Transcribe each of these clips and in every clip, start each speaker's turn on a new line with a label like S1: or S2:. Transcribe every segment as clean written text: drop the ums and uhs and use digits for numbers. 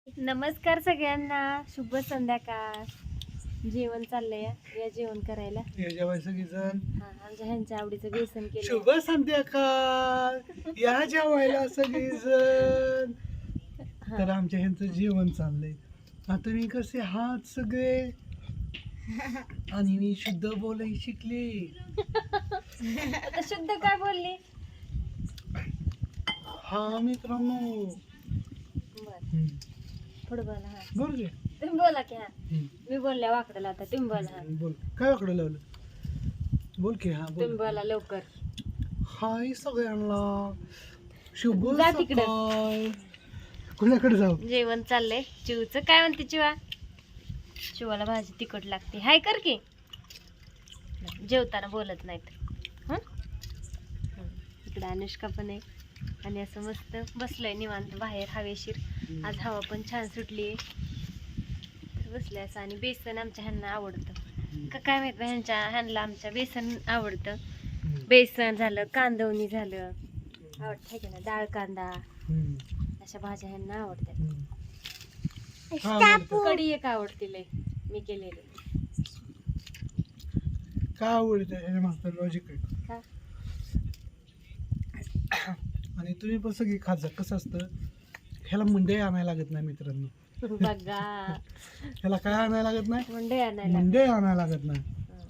S1: नमस्कार सगळ्यांना, शुभ संध्याकाळ. जेवण चाललंय, या जेवण करायला.
S2: जेवाय सगळीजण
S1: आमच्या ह्यांच्या आवडीचं बेसन केलं.
S2: शुभ संध्याकाळ. या जेवायला सगळीजण. तर आमच्या ह्यांचं जेवण चाललंय. आता मी कसे हात सगळे आणि मी शुद्ध बोलाय शिकले.
S1: आता शुद्ध काय बोलली?
S2: हा मित्रांनो,
S1: बरं, पुढे बोला. हा,
S2: बोल रे.
S1: तुम्ही बोला की. हा, मी बोलल्या वाकडला, आता तुम्ही बोला. हा,
S2: बोल. काय वाकडं लावलं? बोल की. हा
S1: तुम्ही
S2: बोल.
S1: बोला लवकर.
S2: हाय सगळ्यांना, शुभ
S1: जा तिकडं.
S2: सकाळ. कुणाकडे जाऊ?
S1: जेवण चाललंय. चिवचं काय म्हणते चिवा? चिवाला भाजी तिखट लागते. हाय कर की. जेवताना बोलत नाहीत. हं? इकडे अनुष्का पण आहे आणि असं मस्त बसलंय निवांत बाहेर हवेशीर. आज हवा पण छान सुटली आहे. बसलंय असं. आणि बेसन आमच्या ह्यांना आवडतं का काय माहित, ह्यांना आमच्या बेसन आवडतं. बेसन झालं, कांदवणी झालं, आवडतं की ना, डाळ कांदा, अशा भाज्या ह्यांना आवडतात. कढी एक आवडती लय मी केलेली.
S2: काय आवडतं मागचं लॉजिक आहे.
S1: का?
S2: आणि तुम्ही पण सगळी खात जा. कसं असतं, ह्याला मुंडे आणायला लागत नाही मित्रांनो.
S1: बघा,
S2: ह्याला काय आणायला लागत नाही?
S1: मुंडे आणायला.
S2: मुंडे आणायला लागत नाही.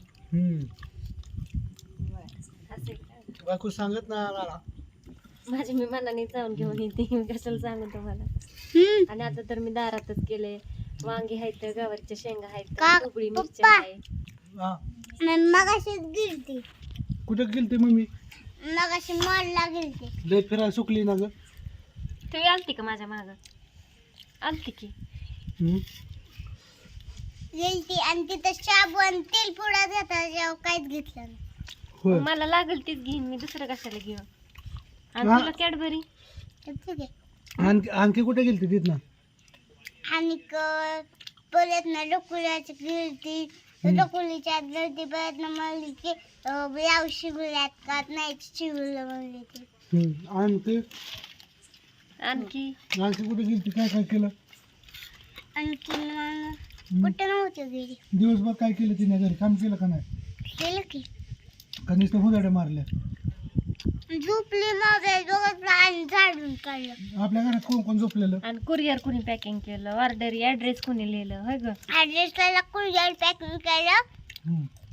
S1: असं का?
S2: बायको सांगत नाही आणायला.
S1: माझी मी मनाने जाऊन घेऊन येते, मी कशाला सांगू तुम्हाला. आणि आता तर मी दारातच केले. वांगी आहेत, गवारीच्या शेंगा आहेत, उकळी मिरची आहे.
S2: हा,
S3: मगाशी गिरती
S2: कुठं गेलते मम्मी?
S3: मगाशी मॉलला गेलती.
S2: लय फिरायला सुकली ना ग.
S1: तुम्ही आलती का माझ्या माग? आलती की.
S3: गेलती आणि तिथं साबण तेल पुडा घेता जेव्हा काहीच घेतलं नाही.
S2: होय.
S1: मला लागल तीच घेईन मी, दुसरं कशाला घेऊ. आणि
S2: हा.
S1: तुला कॅडबरी.
S3: तर ठीक आहे.
S2: आणखी कुठे गेलते तिथं?
S3: आणि परत ना डोकुल्याची गिरती, डोकुलीच्या गिरती परत ना म्हणली की ब्लाऊज शिवल्यात का नाही शिवलं म्हणली ती.
S2: आणखी
S1: आणखी
S2: कुठे गेलती? काय काय केलं?
S3: आणखी मग कुठं नव्हतं गेली.
S2: दिवसभर काय केलं तिने? घरी काम केलं का नाही?
S3: केलं की
S2: का नुसतं हुदाड्या मारल्या?
S3: झोपली मोबाईल बघत आणि झाडून काढलं.
S2: आपल्या घरात कोण कोण झोपलेलं?
S1: आणि कुरिअर कुणी पॅकिंग केलं, ऑर्डर ऍड्रेस कुणी लिहिलं, होय ग?
S3: ऍड्रेसला कुरिअर पॅकिंग केलं.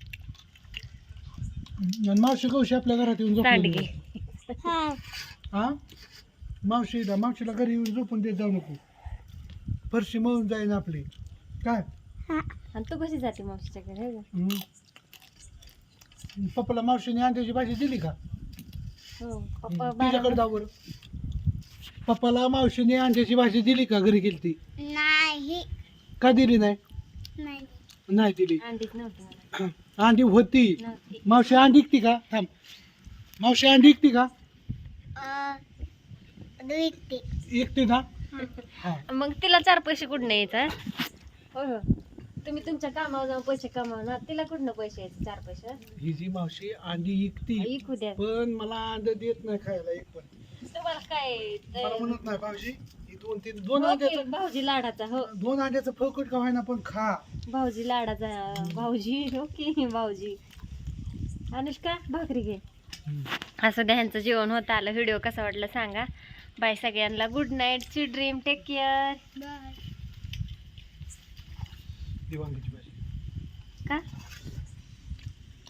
S2: आणि मावशी कवशी आपल्या घरात येऊन झोपलेली.
S1: सांडगे.
S3: हा,
S2: हा, मावशीला घरी येऊन झोपून देत जाऊ नको. फरशी मळून जाईन आपली. काय?
S1: आणि तू कशी जाते मावशीच्या घरी, होय ग?
S2: पप्पाला मावशीने अंड्याची भाजी दिली का?
S1: हो, पप्पा
S2: तिच्याकडे जाऊ बरं. पप्पाला मावशीने अंड्याची भाजी दिली का? घरी गेलती
S3: नाही
S2: का? दिली नाही?
S3: नाही
S2: नाही दिली.
S1: अंडीच नव्हती मला.
S2: अंडी होती.
S1: नव्हती.
S2: मावशी अंडी विकती का? थांब, मावशी अंडी विकती का?
S3: विकते.
S2: विकते ना? हा.
S1: मग तिला 4 पैसे कुठून यायचं? हो हो, तुम्ही तुमच्या कामावर जाऊन पैसे कमावणार, तिला कुठनं पैसे यायचे 4 पैसे?
S2: ही जी मावशी अंडी विकती,
S1: ऐकू द्या.
S2: पण मला अंड देत नाही खायला एक पण.
S1: तुम्हाला काय
S2: मला म्हणत नाही भाऊजी, ही दोन
S1: हो
S2: अंड्याचं,
S1: की, भाऊजी लाडाचा. हो,
S2: 2 अंड्याचं फळकट का व्हायना पण खा.
S1: भाऊजी लाडाचा. भाऊजी, हो की भाऊजी. अनुष्का भाकरी घे. असं द्या, ह्यांचं जेवण होतं आलं. व्हिडिओ कसा वाटला सांगा. बाय सगळ्यांना. Good night, sweet dream, take care.
S3: Bye.
S2: ही वांग्याची भाजी.
S1: का?